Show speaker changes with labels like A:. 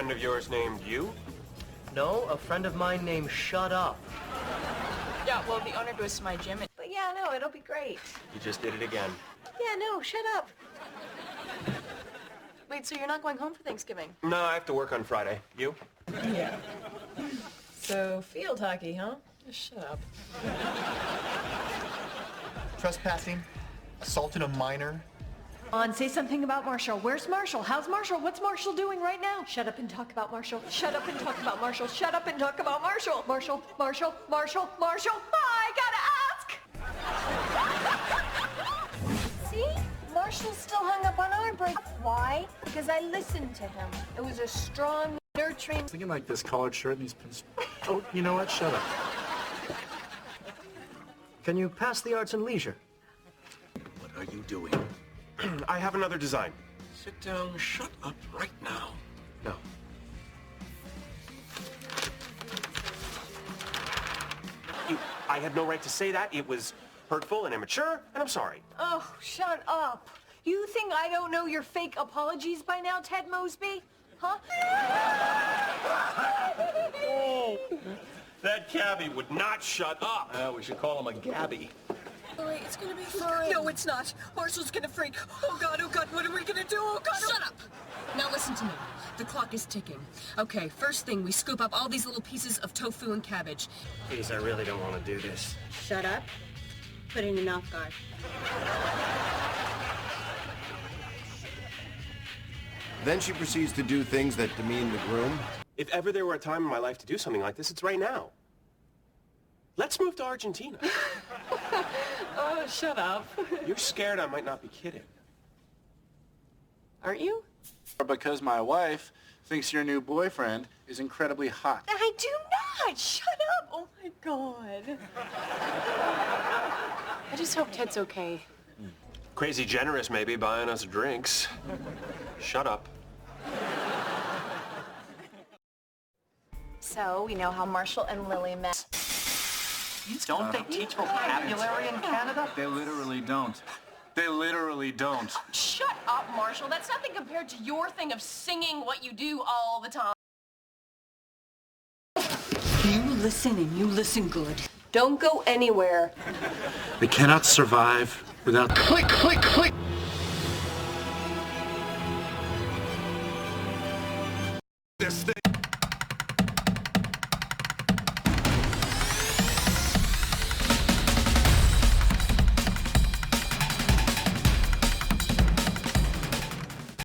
A: friend of yours named you?
B: No, a friend of mine named Shut Up.
C: Yeah, well, the owner goes to my gym. But yeah, no, it'll be great.
A: You just did it again.
C: Yeah, no, shut up. Wait, so you're not going home for Thanksgiving?
A: No, I have to work on Friday. You?
C: Yeah. So, field hockey, huh? Just shut up.
D: Trespassing, assaulting a minor.
E: Say something about Marshall. Where's Marshall? How's Marshall? What's Marshall doing right now? Shut up and talk about Marshall. Shut up and talk about Marshall. Shut up and talk about Marshall. Marshall, Marshall, Marshall, Marshall. I gotta ask!
F: See? Marshall's still hung up on our break. Why? Because I listened to him. It was a strong, nurturing...
G: Thinking like this collared shirt and these pins. Oh, you know what? Shut up.
B: Can you pass the arts and leisure?
G: What are you doing?
A: I have another design.
G: Sit down, shut up right now.
B: No.
A: I had no right to say that. It was hurtful and immature, and I'm sorry.
E: Oh, shut up. You think I don't know your fake apologies by now, Ted Mosby? Huh?
A: That cabbie would not shut up.
G: We should call him a Gabby.
C: Lily, it's gonna be fine. No, it's not. Marshall's gonna freak. Oh, God, what are we gonna do? Oh, God.
H: Shut up! Now listen to me. The clock is ticking. Okay, first thing, we scoop up all these little pieces of tofu and cabbage.
B: Please, I really don't want to do this.
I: Shut up. Put it in your mouth guard.
J: Then she proceeds to do things that demean the groom.
A: If ever there were a time in my life to do something like this, it's right now. Let's move to Argentina.
C: Oh, shut up.
A: You're scared I might not be kidding.
C: Aren't you?
G: Because my wife thinks your new boyfriend is incredibly hot.
C: I do not. Shut up. Oh, my God. I just hope Ted's okay.
A: Crazy generous, maybe, buying us drinks. Shut up.
F: So, we know how Marshall and Lily met.
B: Don't they teach vocabulary in Canada?
G: They literally don't. They literally don't.
H: Shut up, Marshall. That's nothing compared to your thing of singing what you do all the time.
E: You listen and you listen good.
C: Don't go anywhere.
G: They cannot survive without...
E: Click, click, click.